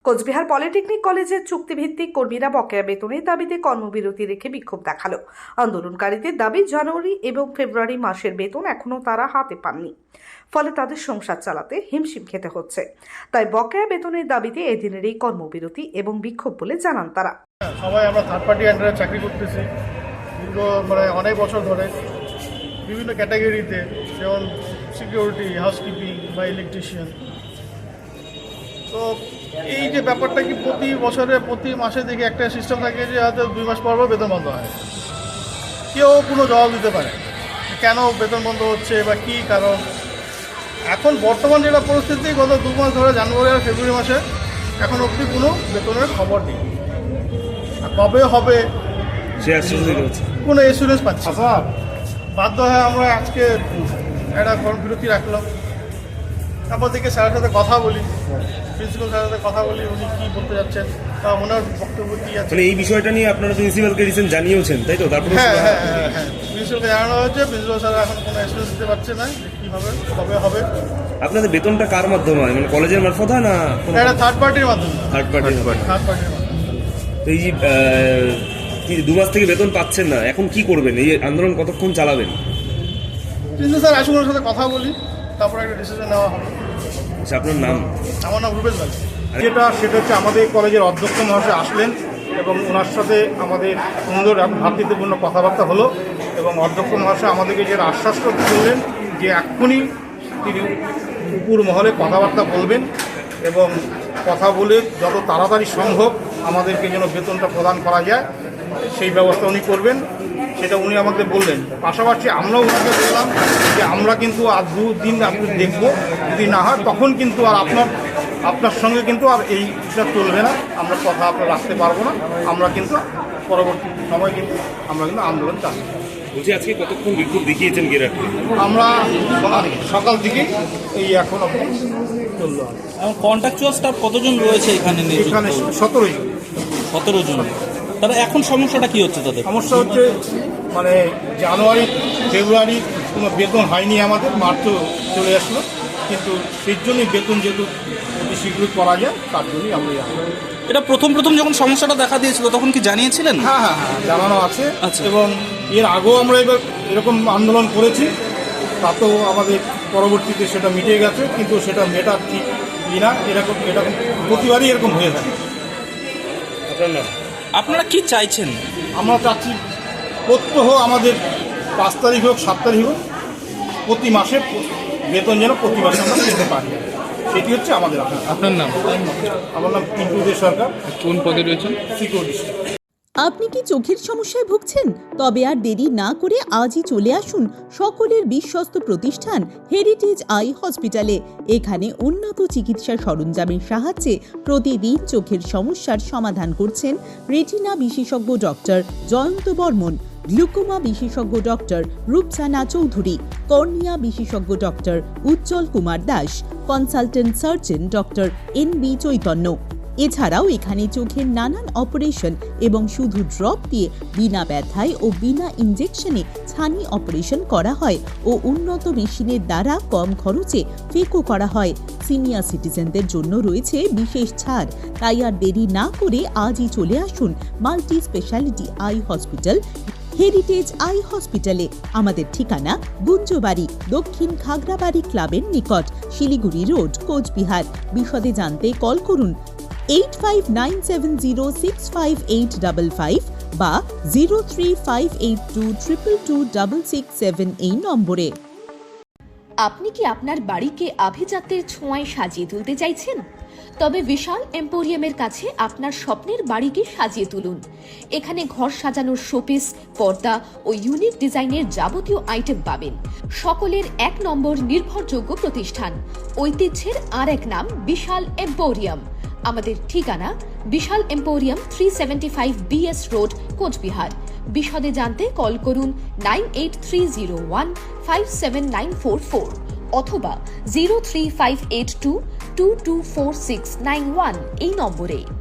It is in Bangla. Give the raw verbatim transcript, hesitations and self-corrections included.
কোচবিহার পলিটেকনিক কলেজের চুক্তিভিত্তিক কর্মীরা বকেয়া বেতনের দাবিতে কর্মবিরতি রেখে বিক্ষোভ দেখালো। আন্দোলনকারীদের দাবি, জানুয়ারি এবং ফেব্রুয়ারি মাসের বেতন এখনো তারা হাতে পাননি, ফলে তাদের সংসার চালাতে হিমশিম খেতে হচ্ছে। তাই বকেয়া বেতনের দাবিতে এদিনের এই কর্মবিরতি এবং বিক্ষোভ বলে জানান তারা। সবাই আমরা থার্ড পার্টি আন্ডারে চাকরি করতেছি দীর্ঘ মানে অনেক বছর ধরে বিভিন্ন ক্যাটাগরিতে, যেমন সিকিউরিটি, হাউসকিপিং বা ইলেকট্রিশিয়ান। তো এই যে ব্যাপারটা কি প্রতি বছরে প্রতি মাসে দেখি একটা সিস্টেম থাকে যে হয়তো দুই মাস পর পর বেতন বন্ধ হয়। কেউ কোনো জবাব দিতে পারে কেন বেতন বন্ধ হচ্ছে বা কী কারণ। এখন বর্তমান যেটা পরিস্থিতি, গত দু মাস ধরে জানুয়ারি আর ফেব্রুয়ারি মাসে এখন অবধি কোনো বেতনের খবর নেই। আর কবে হবে কোনো এসুরেন্স পাচ্ছি। বাধ্য হয়ে আমরা আজকে একটা কর্মবিরতি রাখলাম। তারপর থেকে স্যারের সাথে কথা বলি, প্রিন্সিপাল স্যারের সাথে কথা বলি, উনি কী বলতে যাচ্ছেন বা ওনার বক্তব্য কী আছে। এই বিষয়টা নিয়ে আপনারা প্রিন্সিপালকে রিসেন্ট জানিয়েছেন, তাই তো? তারপরে হ্যাঁ হ্যাঁ হ্যাঁ হ্যাঁ প্রিন্সিপালকে জানানো হয়েছে। প্রিন্সিপাল স্যার এখন কোনো এক্সপিরিয়েন্স দিতে পারছে না কীভাবে কবে হবে। আপনাদের বেতনটা কার মাধ্যমে হয়, মানে কলেজের মারফত হয় না এটা থার্ড পার্টির মাধ্যমে? থার্ড পার্টির থার্ড পার্টির মাধ্যমে। তো এই যে কি দু মাস থেকে বেতন পাচ্ছেন না, এখন কি করবেন? এই আন্দোলন কতক্ষণ চালাবেন? প্রিন্সিপাল স্যার আসুন, ওনার সাথে কথা বলি, তারপর একটা ডিসিশন নেওয়া হবে। আচ্ছা, আপনার নাম? আমার নাম রুবেশ বালি। যেটা সেটা হচ্ছে আমাদের কলেজের অধ্যক্ষ মহাশয় আসলেন এবং ওনার সাথে আমাদের সুন্দর ভ্রাতৃত্বপূর্ণ কথাবার্তা হলো এবং অধ্যক্ষ মহাশয় আমাদেরকে যে আশ্বাসটা করলেন যে এক্ষুনি তিনি উপর মহলে কথাবার্তা বলবেন এবং কথা বলে যত তাড়াতাড়ি সম্ভব আমাদেরকে যেন বেতনটা প্রদান করা যায় সেই ব্যবস্থা উনি করবেন, সেটা উনি আমাদের বললেন। পাশাপাশি আমরাও ওনাকে বললাম যে আমরা কিন্তু আর দু দিন আপনি দেখবো, যদি না হয় তখন কিন্তু আর আপনার আপনার সঙ্গে কিন্তু আর এইটা চলবে না, আমরা কথা আপনার রাখতে পারবো না। আমরা কিন্তু পরবর্তী সময় কিন্তু আমরা কিন্তু আন্দোলন চালাবো। বলছি, আজকে কতক্ষণ বিক্ষোভ দেখিয়েছেন গেরাটে? আমরা সকাল থেকে এই এখন চললো। কন্ট্রাকচুয়াল স্টাফ কতজন রয়েছে এখানে? এখানে সতেরো জন সতেরো জন। তাহলে এখন সমস্যাটা কি হচ্ছে তাদের? সমস্যা হচ্ছে মানে জানুয়ারি ফেব্রুয়ারি কোনো বেতন হয়নি আমাদের, মার্চও চলে আসলো, কিন্তু সেই জন্যই বেতন যেহেতু অতি শীঘ্রই করা যায় তার জন্যই আমরা। এটা প্রথম প্রথম যখন সমস্যাটা দেখা দিয়েছিল তখন কি জানিয়েছিলেন? হ্যাঁ হ্যাঁ হ্যাঁ জানানো আছে। আচ্ছা। এবং এর আগেও আমরা এবার এরকম আন্দোলন করেছি, তাতেও আমাদের পরবর্তীতে সেটা মিটে গেছে, কিন্তু সেটা মেটা ঠিক কিনা এরকম এরকম প্রতিবারই এরকম হয়ে থাকে। আপনার নাম? আপনারা কি চাইছেন? আমরা চাচ্ছি প্রত্যহ আমাদের পাঁচ তারিখ হোক সাত তারিখ হোক প্রতি মাসে বেতন যেন প্রতি মাসে আমরা পেতে পারি, সেটি হচ্ছে আমাদের। আপনার নাম? আমার নাম পিন্টু দে সরকার। কোন পদে রয়েছেন? সিকিউরিটি। আপনি কি চোখের সমস্যায় ভুগছেন? তবে আর দেরি না করে আজই চলে আসুন সকলের বিশ্বস্ত প্রতিষ্ঠান হেরিটেজ আই হসপিটালে। এখানে উন্নত চিকিৎসা সরঞ্জামের সাহায্যে প্রতিদিন চোখের সমস্যার সমাধান করছেন রেটিনা বিশেষজ্ঞ ডক্টর জয়ন্ত বর্মন, গ্লুকোমা বিশেষজ্ঞ ডক্টর রূপসানা চৌধুরী, কর্নিয়া বিশেষজ্ঞ doctor Ujjwal Kumar Das, consultant surgeon doctor N B Chaitanya. এছাড়াও এখানে চোখের নানান অপারেশন এবং শুধু ড্রপ দিয়ে বিনা ব্যথায় ও বিনা ইনজেকশনে ছানি অপারেশন করা হয় ও উন্নত মেশিনের দ্বারা কম খরচে ফেকো করা হয়। সিনিয়র সিটিজেনদের জন্য রয়েছে বিশেষ ছাড়। তাই আর দেরি না করে আজই চলে আসুন multi speciality eye hospital heritage eye হসপিটালে। আমাদের ঠিকানা গুঞ্জবাড়ি, দক্ষিণ খাগড়াবাড়ি ক্লাবের নিকট, শিলিগুড়ি রোড, কোচবিহার। বিশদে জানতে কল করুন eight five nine seven zero six five eight double five বা zero three five eight two triple two double six seven এই নম্বরে। আপনি কি আপনার বাড়িকে আভিজাত্যের ছোঁয়ায় সাজিয়ে তুলতে চাইছেন? তবে বিশাল এম্পোরিয়ামের কাছে আপনার স্বপ্নের বাড়িকে সাজিয়ে তুলুন। এখানে ঘর সাজানোর শোপিস, পর্দা ও ইউনিক ডিজাইনের যাবতীয় আইটেম পাবেন। সকলের এক নম্বর নির্ভরযোগ্য প্রতিষ্ঠান, ঐতিহ্যের আর এক নাম বিশাল এম্পোরিয়াম। আমাদের ঠিকানা Bishal emporium three seventy five B S road, Cooch Behar. বিশদে জানতে কল করুন nine eight three zero one five seven nine four four অথবা zero three five eight two two two four six nine one এই নম্বরে।